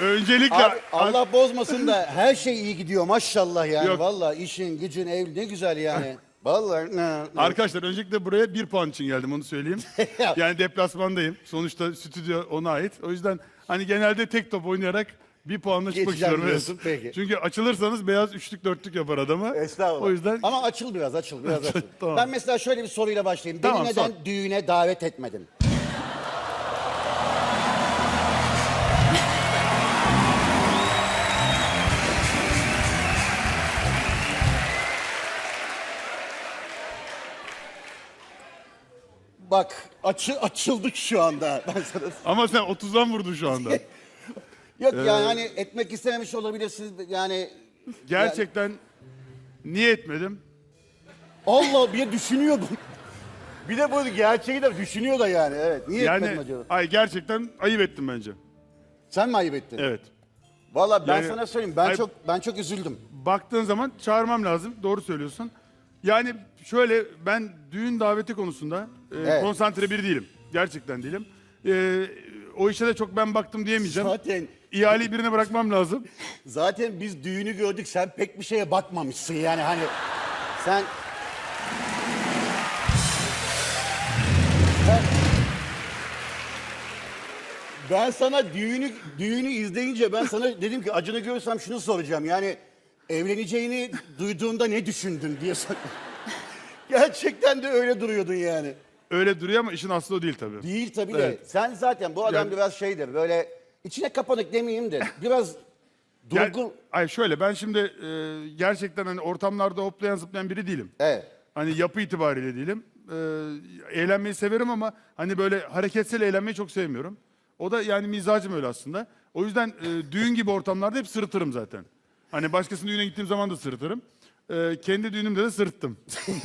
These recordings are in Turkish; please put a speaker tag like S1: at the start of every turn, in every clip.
S1: öncelikle...
S2: Abi, Allah bozmasın da her şey iyi gidiyor maşallah yani.
S1: Yok.
S2: Vallahi işin, gücün, ev ne güzel yani. Vallahi ne.
S1: Arkadaşlar öncelikle buraya 1 puan için geldim, onu söyleyeyim. Yani deplasmandayım. Sonuçta stüdyo ona ait. O yüzden hani genelde tek top oynayarak 1 puanla çıkmak
S2: Geçeceğim
S1: istiyorum.
S2: diyorsun, peki.
S1: Çünkü açılırsanız beyaz üçlük dörtlük yapar adamı.
S2: Estağfurullah.
S1: O yüzden
S2: Ama açıl biraz, açıl biraz. Açıl.
S1: Tamam.
S2: Ben mesela şöyle bir soruyla başlayayım.
S1: Tamam,
S2: Beni neden
S1: sor.
S2: düğüne davet etmedin? Bak açıldık şu anda. Ben sana...
S1: ama sen 30'dan vurdun şu anda.
S2: Yok yani hani etmek istememiş olabilirsiniz yani.
S1: Gerçekten niye etmedim?
S2: Allah bir düşünüyor bu. Bir de bu gerçeği de düşünüyor da yani. Evet. Niye etmedin
S1: Yani
S2: acaba?
S1: ay gerçekten ayıp ettim bence.
S2: Sen mi ayıp ettin?
S1: Evet.
S2: Vallahi ben
S1: Yani-
S2: sana söyleyeyim.
S1: Ay-
S2: Ben çok üzüldüm.
S1: Baktığın zaman çağırmam lazım. Doğru söylüyorsun. Yani şöyle, ben düğün daveti konusunda
S2: Evet.
S1: konsantre biri değilim. Gerçekten değilim. O işe de çok ben baktım diyemeyeceğim.
S2: Zaten
S1: İhaleyi birine bırakmam lazım.
S2: zaten biz düğünü gördük. Sen pek bir şeye bakmamışsın yani hani sen Ben sana düğünü izleyince ben sana dedim ki Acun'u görürsem şunu soracağım. Yani evleneceğini duyduğunda ne düşündün diye sor. Gerçekten de öyle duruyordun yani.
S1: Öyle duruyor ama işin aslı o değil tabii.
S2: Değil tabii de.
S1: Evet.
S2: Sen zaten bu adam
S1: Yani-
S2: biraz şeydir. Böyle içine kapanık demeyeyim de biraz
S1: Yani-
S2: durgun.
S1: ay şöyle, ben şimdi gerçekten hani ortamlarda hoplayan zıplayan biri değilim.
S2: Evet.
S1: Hani yapı itibariyle değilim. Eğlenmeyi severim ama hani böyle hareketsiz eğlenmeyi çok sevmiyorum. O da yani mizacım öyle aslında. O yüzden düğün gibi ortamlarda hep sırıtırım zaten. Hani başkasının düğüne gittiğim zaman da sırıtırım. Kendi düğünümde de sırıttım.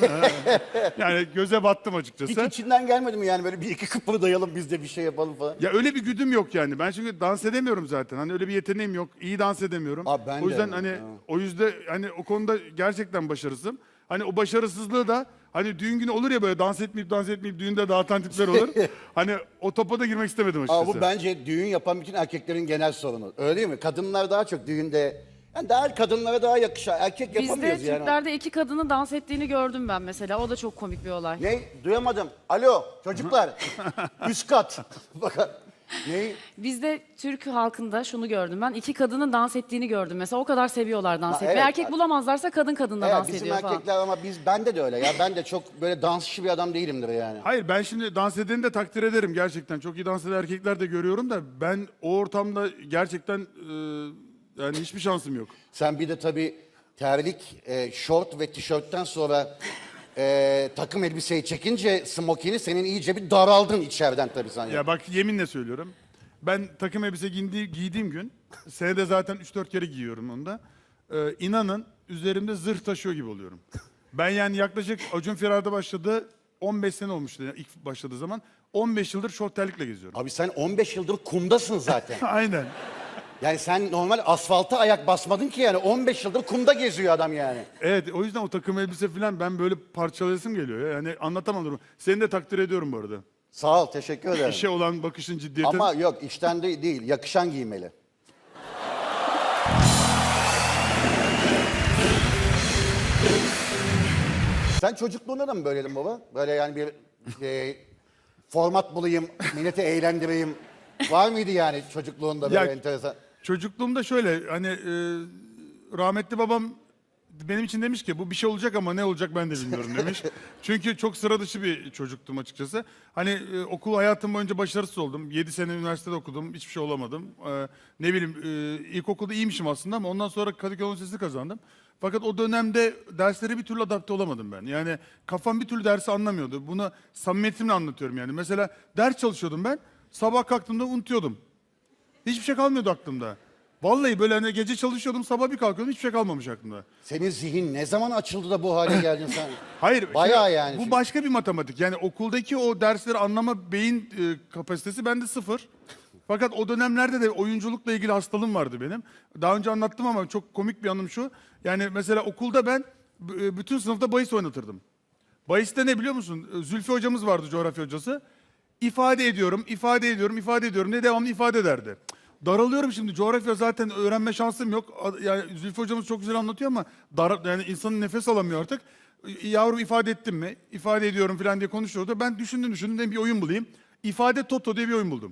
S1: Yani göze battım
S2: Hiç
S1: açıkçası.
S2: içinden gelmedi mi yani böyle bir iki kıpırdayalım biz de bir şey yapalım falan.
S1: Ya öyle bir güdüm yok yani. Ben çünkü dans edemiyorum zaten. Hani öyle bir yeteneğim yok. İyi dans edemiyorum.
S2: Abi ben
S1: o yüzden
S2: de.
S1: hani
S2: Ha.
S1: o yüzden hani o konuda gerçekten başarısızım. Hani o başarısızlığı da hani düğün günü olur ya, böyle dans etmeyip düğünde dağıtan tipler olur. Hani o topa da girmek istemedim açıkçası.
S2: Ama bu bence düğün yapan bütün erkeklerin genel sorunu. Öyle değil mi? Kadınlar daha çok düğünde yani daha kadınlara daha yakışan erkek
S3: Bizde
S2: yapamıyoruz yani.
S3: Türklerde iki kadını dans ettiğini gördüm ben mesela. O da çok komik bir olay.
S2: Ne? Duyamadım. Alo çocuklar. Üst kat. Bakın. Ne?
S3: Bizde Türk halkında şunu gördüm ben. İki kadının dans ettiğini gördüm mesela. O kadar seviyorlar dans
S2: Ha,
S3: etmeyi.
S2: evet.
S3: Erkek bulamazlarsa kadın kadınla
S2: Evet,
S3: dans
S2: bizim
S3: ediyor falan.
S2: erkekler ama bende de öyle ya. Ben de çok böyle dansçı bir adam değilimdir yani.
S1: Hayır, ben şimdi dans edeni de takdir ederim gerçekten. Çok iyi dans eden erkekler de görüyorum da ben o ortamda gerçekten yani hiçbir şansım yok.
S2: Sen bir de tabii terlik, şort ve tişörtten sonra takım elbiseyi çekince smokini senin iyice bir daraldın içeriden tabii sen.
S1: Ya bak, yeminle söylüyorum. Ben takım elbise giydiğim gün, senede zaten 3-4 kere giyiyorum onu da. İnanın üzerimde zırh taşıyor gibi oluyorum. Ben yani yaklaşık Acun Firar'da başladı, 15 sene olmuştu yani ilk başladığı zaman. 15 yıldır şort terlikle geziyorum.
S2: Abi sen 15 yıldır kumdasın zaten.
S1: Aynen.
S2: Yani sen normal asfalta ayak basmadın ki yani 15 yıldır kumda geziyor adam yani.
S1: Evet, o yüzden o takım elbise falan ben böyle parçalayasım geliyor ya. Yani anlatamam durumu. Seni de takdir ediyorum bu arada.
S2: Sağ ol, teşekkür ederim.
S1: İşe olan bakışın, ciddiyetin.
S2: Ama yok işten değil, yakışan giymeli. Sen çocukluğunda da mı böyleydin baba? Böyle yani bir format bulayım, milleti eğlendireyim. Var mıydı yani çocukluğunda böyle
S1: Ya-
S2: enteresan?
S1: Çocukluğumda şöyle hani rahmetli babam benim için demiş ki bu bir şey olacak ama ne olacak ben de bilmiyorum demiş. Çünkü çok sıra dışı bir çocuktum açıkçası. Hani okul hayatım boyunca başarısız oldum. 7 sene üniversitede okudum. Hiçbir şey olamadım. Ne bileyim ilkokulda iyiymişim aslında ama ondan sonra Kadıköy Üniversitesi kazandım. Fakat o dönemde derslere bir türlü adapte olamadım ben. Yani kafam bir türlü dersi anlamıyordu. Bunu samimiyetimle anlatıyorum yani. Mesela ders çalışıyordum ben. Sabah kalktığımda unutuyordum. Hiçbir şey kalmıyordu aklımda. Vallahi böyle hani gece çalışıyordum, sabah bir kalkıyordum, hiçbir şey kalmamış aklımda.
S2: Senin zihin ne zaman açıldı da bu hale geldin sen?
S1: Hayır,
S2: Bayağı
S1: şimdi
S2: yani.
S1: bu başka bir matematik. Yani okuldaki o dersleri anlama beyin kapasitesi bende sıfır. Fakat o dönemlerde de oyunculukla ilgili hastalığım vardı benim. Daha önce anlattım ama çok komik bir anım şu. Yani mesela okulda ben bütün sınıfta bahis oynatırdım. Bahiste ne biliyor musun? Zülfü hocamız vardı, coğrafya hocası. İfade ediyorum diye devamlı ifade ederdi. Daralıyorum şimdi. Coğrafya zaten öğrenme şansım yok. Yani Zülfü hocamız çok güzel anlatıyor ama yani insanın nefes alamıyor artık. Yavrum ifade ettim mi? İfade ediyorum falan diye konuşuyordu. Ben düşündüm dedim bir oyun bulayım. İfade Toto diye bir oyun buldum.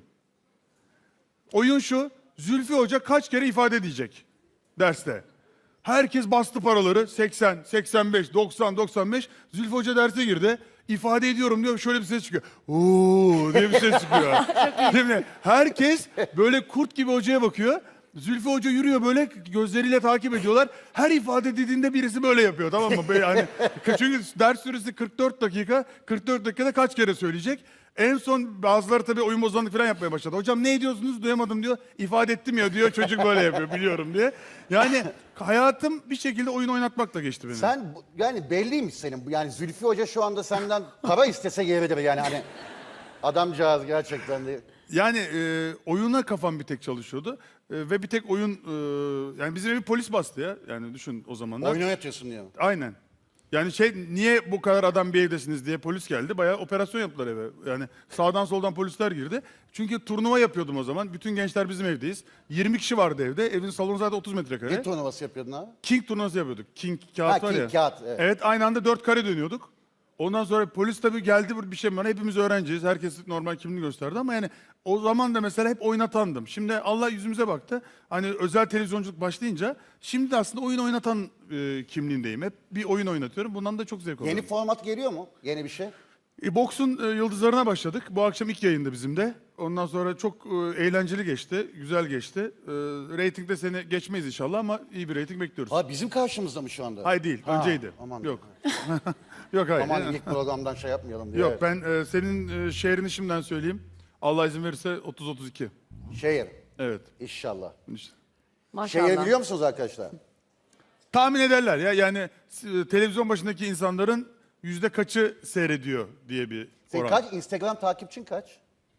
S1: Oyun şu. Zülfü Hoca kaç kere ifade edecek derste. Herkes bastı paraları. 80, 85, 90, 95. Zülfü Hoca derse girdi. İfade ediyorum diyor. Şöyle bir ses çıkıyor. Oo diye bir ses çıkıyor. Değil mi? Herkes böyle kurt gibi hocaya bakıyor. Zülfü Hoca yürüyor böyle gözleriyle takip ediyorlar. Her ifade dediğinde birisi böyle yapıyor, tamam mı? Böyle hani, çünkü ders süresi 44 dakika. 44 dakikada kaç kere söyleyecek? En son bazıları tabii oyun bozanlık falan yapmaya başladı. Hocam ne ediyorsunuz duyamadım diyor. İfade ettim ya diyor, çocuk böyle yapıyor biliyorum diye. Yani hayatım bir şekilde oyun oynatmakla geçti benim.
S2: Sen yani belliymiş senin. Yani Zülfü Hoca şu anda senden para istese yeridir yani hani. Adamcağız gerçekten de.
S1: Yani oyuna kafam bir tek çalışıyordu. Ve bir tek oyun, yani bizim evi polis bastı ya. Yani düşün o zamanlar.
S2: Oyun oynatıyorsun diyor.
S1: Aynen. Yani niye bu kadar adam bir evdesiniz diye polis geldi. Bayağı operasyon yaptılar eve. Yani sağdan soldan polisler girdi. Çünkü turnuva yapıyordum o zaman. Bütün gençler bizim evdeyiz. 20 kişi vardı evde. Evin salonu zaten 30 metrekare.
S2: Ne turnuvası yapıyordun abi?
S1: King turnuvası yapıyorduk. King kağıt
S2: Ha,
S1: var
S2: King
S1: ya.
S2: kağıt, evet.
S1: Evet, aynı anda 4 kare dönüyorduk. Ondan sonra polis tabii geldi bir şey bana. Hepimiz öğrenciyiz. Herkes normal kimliğini gösterdi ama yani o zaman da mesela hep oynatandım. Şimdi Allah yüzümüze baktı. Hani özel televizyonculuk başlayınca şimdi de aslında oyun oynatan kimliğindeyim. Hep bir oyun oynatıyorum. Bundan da çok zevk alıyorum.
S2: Yeni format geliyor mu? Yeni bir şey?
S1: Boksun yıldızlarına başladık. Bu akşam ilk yayında bizim de. Ondan sonra çok eğlenceli geçti. Güzel geçti. Reytingde seni geçmeyiz inşallah ama iyi bir reyting bekliyoruz.
S2: Ha bizim karşımızda mı şu anda?
S1: Hayır değil.
S2: Ha,
S1: Önceydi.
S2: aman.
S1: Yok. Yok hayır.
S2: Aman ilk programdan şey yapmayalım diye.
S1: Yok
S2: Evet.
S1: ben senin şehrini şimdiden söyleyeyim. Allah izin verirse 30-32.
S2: Şehir.
S1: Evet.
S2: İnşallah.
S1: İşte.
S3: Maşallah.
S2: Şehir biliyor musunuz arkadaşlar?
S1: Tahmin ederler ya yani televizyon başındaki insanların yüzde kaçı seyrediyor diye bir
S2: Senin
S1: oran.
S2: kaç? Instagram takipçin kaç?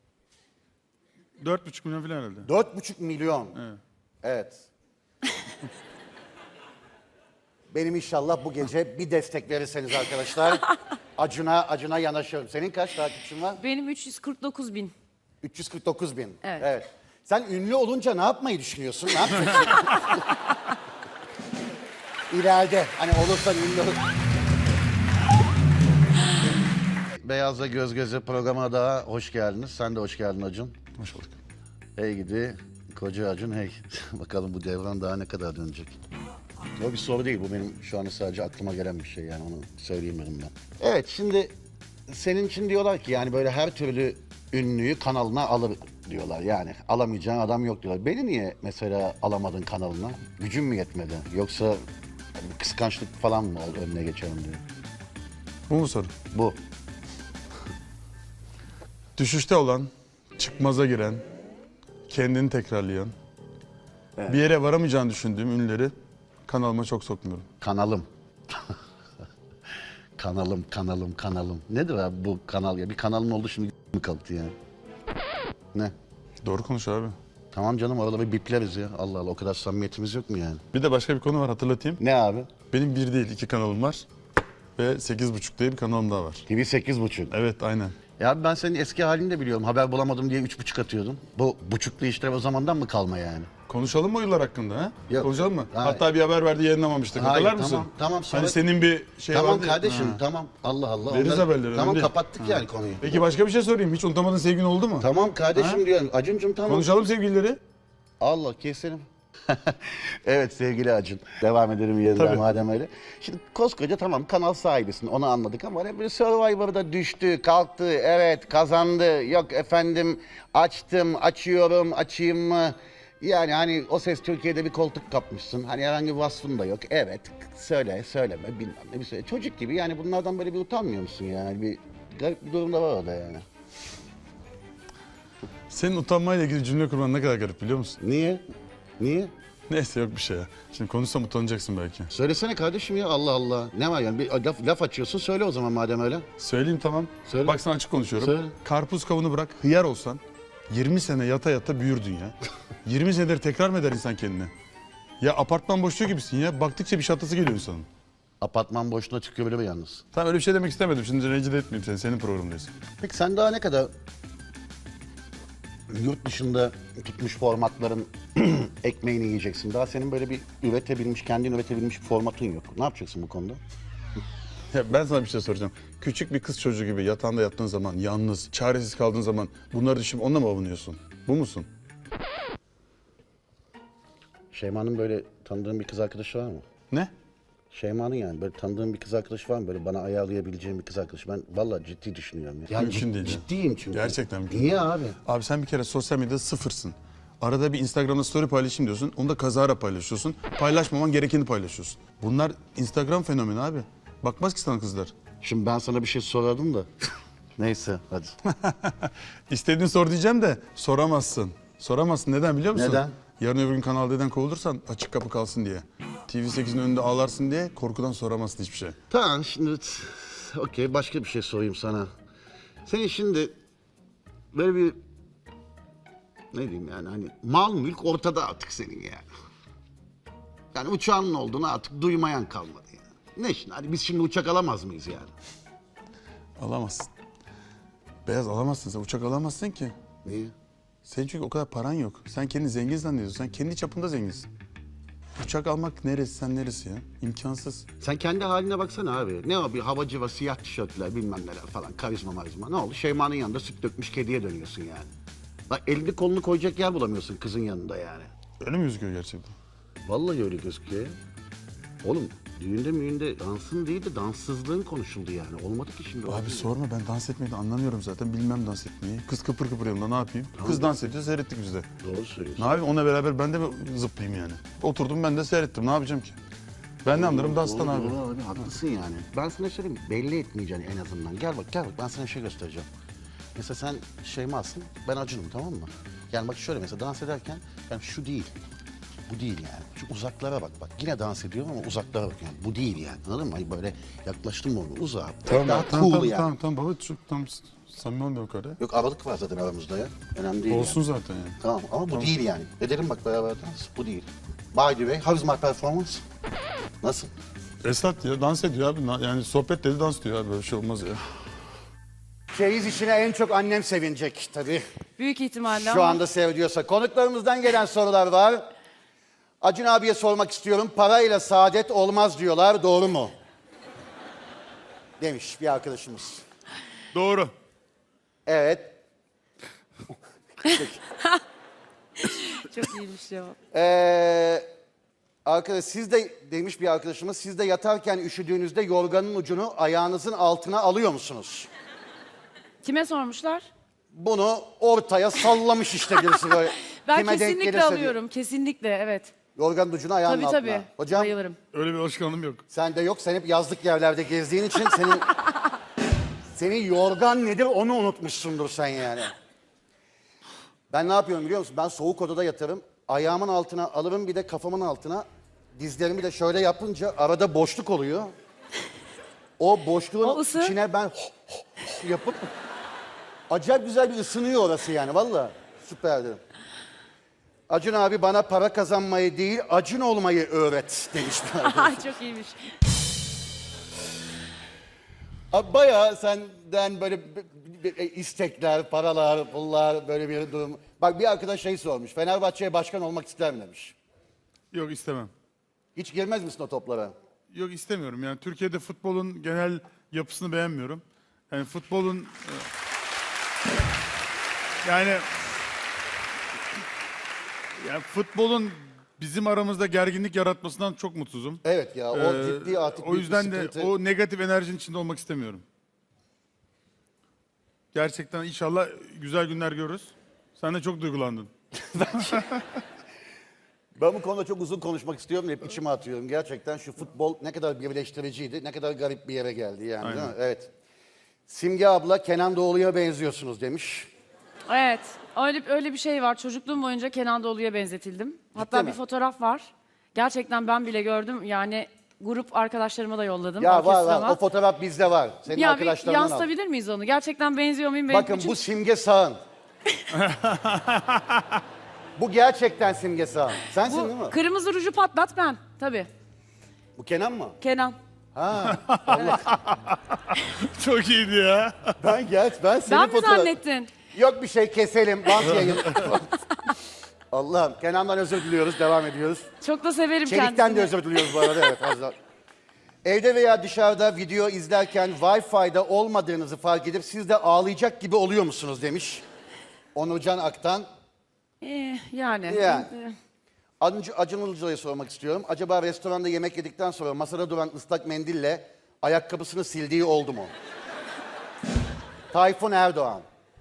S1: 4,5 milyon falan herhalde.
S2: 4,5 milyon. Evet. Benim inşallah bu gece bir destek verirseniz arkadaşlar Acun'a yanaşıyorum. Senin kaç takipçin var?
S3: Benim 349 bin.
S2: 349 bin.
S3: Evet.
S2: Sen ünlü olunca ne yapmayı düşünüyorsun? Ne yapacaksın? İleride hani olursan ünlü olur. Beyazla Göz Göze programına daha hoş geldiniz. Sen de hoş geldin Acun.
S1: Hoş bulduk.
S2: Hey gidi koca Acun hey. Bakalım bu devran daha ne kadar dönecek. O bir soru değil, bu benim şu anda sadece aklıma gelen bir şey, yani onu söyleyeyim dedim ben. Evet, şimdi senin için diyorlar ki yani böyle her türlü ünlüyü kanalına alır diyorlar, yani alamayacağın adam yok diyorlar. Beni niye mesela alamadın kanalına? Gücün mü yetmedi? Yoksa kıskançlık falan mı oldu, önüne geçelim diye?
S1: Bu mu soru?
S2: Bu.
S1: Düşüşte olan, çıkmaza giren, kendini tekrarlayan, bir yere varamayacağını düşündüğüm ünlüleri kanalıma çok sokmuyorum.
S2: Kanalım. kanalım. Nedir abi bu kanal ya? Bir kanalın oldu şimdi mi kalktı yani? Ne?
S1: Doğru konuş abi.
S2: Tamam canım, orada bir bipleriz ya. Allah Allah, o kadar samimiyetimiz yok mu yani?
S1: Bir de başka bir konu var hatırlatayım.
S2: Ne abi?
S1: Benim bir değil 2 kanalım var. Ve 8,5 diye bir kanalım daha var.
S2: TV 8,5.
S1: Evet aynen.
S2: Ya abi ben senin eski halini de biliyorum. Haber bulamadım diye 3,5 atıyordun. Bu buçuklu işler o zamandan mı kalma yani?
S1: Konuşalım mı o yıllar hakkında ha?
S2: Yok.
S1: Konuşalım mı?
S2: Hayır.
S1: Hatta bir haber verdi yayınlamamıştık.
S2: Hayır,
S1: Hatırlar mısın?
S2: tamam, sonra-
S1: Hani senin bir şey
S2: Tamam
S1: vardı ya.
S2: kardeşim,
S1: Ha.
S2: tamam. Allah Allah.
S1: Veririz
S2: onları-
S1: haberleri, önemli
S2: Tamam,
S1: değil.
S2: kapattık yani konuyu.
S1: Peki başka bir şey sorayım. Hiç unutamadığın sevgin oldu mu?
S2: Tamam kardeşim diyorum. Acun'cum tamam.
S1: Konuşalım sevgilileri.
S2: Allah keselim. Evet sevgili Acun. Devam edelim yeniden
S1: Tabii.
S2: madem öyle. Şimdi koskoca tamam kanal sahibisin, onu anladık ama hani böyle Survivor'da düştü, kalktı, evet kazandı. Yok efendim açtım, açıyorum, açayım mı? Yani hani O Ses Türkiye'de bir koltuk kapmışsın. Hani herhangi bir vasfın da yok. Evet söyle, söyleme bilmem ne bir söyle. Çocuk gibi yani bunlardan böyle bir utanmıyor musun yani? Bir garip bir durum da var orada yani.
S1: Senin utanmayla ilgili cümle kurman ne kadar garip biliyor musun?
S2: Niye? Niye?
S1: Neyse yok bir şey ya. Şimdi konuşsam utanacaksın belki.
S2: Söylesene kardeşim ya, Allah Allah. Ne var yani, bir laf açıyorsun, söyle o zaman madem öyle.
S1: Söyleyeyim tamam.
S2: Söyle.
S1: Bak sana açık konuşuyorum.
S2: Söyle.
S1: Karpuz kavunu bırak, hıyar olsan 20 sene yata yata büyürdün ya. 20 senedir tekrar mı eder insan kendine? Ya apartman boşluğu gibisin ya. Baktıkça bir şatası geliyor insanın.
S2: Apartman boşluğuna çıkıyor böyle yalnız.
S1: Tamam öyle bir şey demek istemedim. Şimdi rencide etmeyeyim seni. Senin programındayız.
S2: Peki sen daha ne kadar yurt dışında tutmuş formatların ekmeğini yiyeceksin. Daha senin böyle bir kendin üretebilmiş bir formatın yok. Ne yapacaksın bu konuda?
S1: Ya ben sana bir şey soracağım. Küçük bir kız çocuğu gibi yatağında yattığın zaman, yalnız, çaresiz kaldığın zaman bunları düşünüp onunla mı avunuyorsun? Bu musun?
S2: Şeyma'nın böyle tanıdığın bir kız arkadaşı var mı?
S1: Ne?
S2: Şeyma'nın yani böyle tanıdığın bir kız arkadaşı var mı? Böyle bana ayarlayabileceğim bir kız arkadaşı. Ben vallahi ciddi düşünüyorum. Ya. Yani
S1: Mümkün değil ya.
S2: Ciddiyim çünkü.
S1: Gerçekten mümkün
S2: Niye abi?
S1: Abi sen bir kere sosyal medyada sıfırsın. Arada bir Instagram'da story paylaşayım diyorsun. Onu da kazara paylaşıyorsun. Paylaşmaman gerekeni paylaşıyorsun. Bunlar Instagram fenomeni abi. Bakmaz ki sana kızlar.
S2: Şimdi ben sana bir şey sorardım da. Neyse hadi.
S1: İstediğin sor diyeceğim de soramazsın. Soramazsın. Neden biliyor musun?
S2: Neden?
S1: Yarın öbür gün Kanal D'den kovulursan açık kapı kalsın diye. TV8'in önünde ağlarsın diye korkudan soramazsın hiçbir şey.
S2: Tamam şimdi okey başka bir şey sorayım sana. Senin şimdi böyle bir ne diyeyim yani hani mal mülk ortada artık senin yani. Yani uçağın olduğunu artık duymayan kalmadı yani. Ne şimdi hani biz şimdi uçak alamaz mıyız yani?
S1: Alamazsın. Beyaz alamazsın sen. Uçak alamazsın ki.
S2: Niye?
S1: Senin çünkü o kadar paran yok. Sen kendini zengin zannediyorsun. Sen kendi çapında zenginsin. Uçak almak neresi, sen neresi ya? İmkansız.
S2: Sen kendi haline baksana abi. Ne o bir havacı var, siyah tişörtler bilmem neler falan karizma marizma. Ne oldu? Şeyma'nın yanında süt dökmüş kediye dönüyorsun yani. Bak elini kolunu koyacak yer bulamıyorsun kızın yanında yani.
S1: Öyle mi gözüküyor gerçekten?
S2: Vallahi öyle gözüküyor. Oğlum düğünde dansın değil de danssızlığın konuşuldu yani. Olmadı ki şimdi.
S1: Abi sorma, ben dans etmeyi de anlamıyorum zaten. Bilmem dans etmeyi. Kız kıpır kıpır yanımda, ne yapayım? Kız dans ediyor, seyrettik biz de.
S2: Doğru söylüyorsun.
S1: Ne yapayım, ona beraber ben de mi zıplayayım yani? Oturdum ben de seyrettim, ne yapacağım ki? Ben ne anlarım danstan abi.
S2: Doğru abi haklısın yani. Ben sana söyleyeyim belli etmeyeceksin en azından. Gel bak ben sana bir şey göstereceğim. Mesela sen Şeyma'sın, ben Acun'um tamam mı? Yani bak şöyle mesela dans ederken yani şu değil. Bu değil yani. Şu uzaklara bak. Yine dans ediyorum ama uzaklara bak yani. Bu değil yani. Anladın mı? Hani böyle yaklaştım mı onu uzağa. Daha cool yani.
S1: Tamam baba, çok tam samimi olmuyor o kadar.
S2: Yok aralık var zaten aramızda ya. Önemli değil
S1: Olsun
S2: yani.
S1: zaten yani.
S2: Tamam ama bu değil yani. Edelim bak beraber dans. Bu değil. By the way, how is my performance? Nasıl?
S1: Esat ya dans ediyor abi. Yani sohbet dedi, dans diyor abi. Böyle bir şey olmaz ya.
S2: Çeyiz işine en çok annem sevinecek tabii.
S3: Büyük ihtimalle
S2: Şu
S3: ama
S2: anda seviyorsa. Konuklarımızdan gelen sorular var. Acun abiye sormak istiyorum. Parayla saadet olmaz diyorlar. Doğru mu? Demiş bir arkadaşımız.
S1: Doğru.
S2: Evet.
S3: çok iyiymiş ya.
S2: Arkadaş siz de demiş bir arkadaşımız. Siz de yatarken üşüdüğünüzde yorganın ucunu ayağınızın altına alıyor musunuz?
S3: Kime sormuşlar?
S2: Bunu ortaya sallamış işte birisi böyle.
S3: Ben
S2: Kime denk
S3: kesinlikle
S2: gelirse diyor.
S3: alıyorum. Kesinlikle evet.
S2: Yorganın ucunu ayağının
S3: Tabii
S2: altına.
S3: tabii.
S2: Hocam
S3: Bayılırım.
S1: Öyle bir alışkanlığım yok.
S2: sende yok. Sen hep yazlık yerlerde gezdiğin için senin yorgan nedir onu unutmuşsundur sen yani. Ben ne yapıyorum biliyor musun? Ben soğuk odada yatarım. Ayağımın altına alırım bir de kafamın altına. Dizlerimi de şöyle yapınca arada boşluk oluyor. O boşluğun
S3: O ısı?
S2: içine ben yapıp acayip güzel bir ısınıyor orası yani valla. Süperdi. Acun abi bana para kazanmayı değil Acun olmayı öğret demiş.
S3: çok iyiymiş.
S2: Abi bayağı senden böyle istekler, paralar, pullar böyle bir durum. Bak bir arkadaş şey sormuş. Fenerbahçe'ye başkan olmak ister mi demiş.
S1: Yok, istemem.
S2: Hiç girmez misin o toplara?
S1: Yok, istemiyorum. Yani Türkiye'de futbolun genel yapısını beğenmiyorum. Yani futbolun yani futbolun bizim aramızda gerginlik yaratmasından çok mutsuzum.
S2: Evet ya o ciddi artık
S1: O
S2: bir
S1: yüzden de
S2: sıkıntı.
S1: o negatif enerjinin içinde olmak istemiyorum. Gerçekten inşallah güzel günler görürüz. Sen de çok duygulandın.
S2: Ben bu konuda çok uzun konuşmak istiyorum. Hep içime atıyorum. Gerçekten şu futbol ne kadar birleştiriciydi. Ne kadar garip bir yere geldi yani değil
S1: Aynen.
S2: mi? Evet. Simge abla Kenan Doğulu'ya benziyorsunuz demiş.
S3: Evet. Öyle bir şey var. Çocukluğum boyunca Kenan Doğulu'ya benzetildim. Hatta
S2: mi?
S3: bir fotoğraf var. Gerçekten ben bile gördüm. Yani grup arkadaşlarıma da yolladım.
S2: Ya var
S3: orkestrama.
S2: o fotoğraf bizde var. Senin
S3: Ya bir
S2: arkadaşlarından al.
S3: yansıtabilir miyiz onu? Gerçekten benziyor muyum?
S2: Bakın bu Simge Sağın. Bu gerçekten Simge Sağın. Sensin değil mi?
S3: bu kırmızı ruju patlat ben. Tabii.
S2: Bu Kenan mı?
S3: Kenan.
S1: Çok iyiydi ya.
S2: Ben senin
S3: Ben mi
S2: fotoğraf...
S3: zannettin?
S2: Yok bir şey, keselim. Bant yayın. Allah'ım. Kenan'dan özür diliyoruz. Devam ediyoruz.
S3: Çok da severim
S2: Çelik'ten
S3: kendisini.
S2: de özür diliyoruz bu arada. Evet, az daha. Evde veya dışarıda video izlerken Wi-Fi'de olmadığınızı fark edip siz de ağlayacak gibi oluyor musunuz demiş. Onurcan Aktan.
S3: Yani.
S2: Acun Ilıcalı'ya sormak istiyorum. Acaba restoranda yemek yedikten sonra masada duran ıslak mendille ayakkabısını sildiği oldu mu? Tayfun Erdoğan.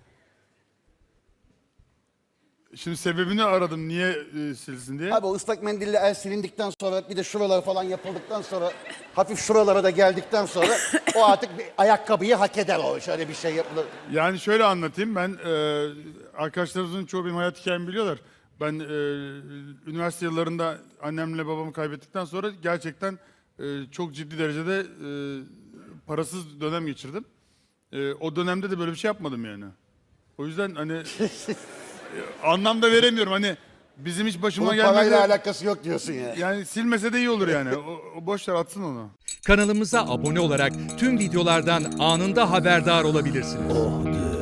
S1: Şimdi sebebini aradım niye silsin diye.
S2: Abi o ıslak mendille el silindikten sonra bir de şuralar falan yapıldıktan sonra hafif şuralara da geldikten sonra o artık bir ayakkabıyı hak eder o. Şöyle bir şey yapılır.
S1: Yani şöyle anlatayım ben arkadaşlarımızın çoğu benim hayat hikayemi biliyorlar. Ben üniversite yıllarında annemle babamı kaybettikten sonra gerçekten çok ciddi derecede parasız dönem geçirdim. O dönemde de böyle bir şey yapmadım yani. O yüzden hani anlam da veremiyorum hani bizim hiç başıma
S2: Bunun parayla
S1: gelmedi.
S2: alakası yok diyorsun ya.
S1: Yani silmese de iyi olur yani. O boş ver atsın onu.
S4: Kanalımıza abone olarak tüm videolardan anında haberdar olabilirsiniz.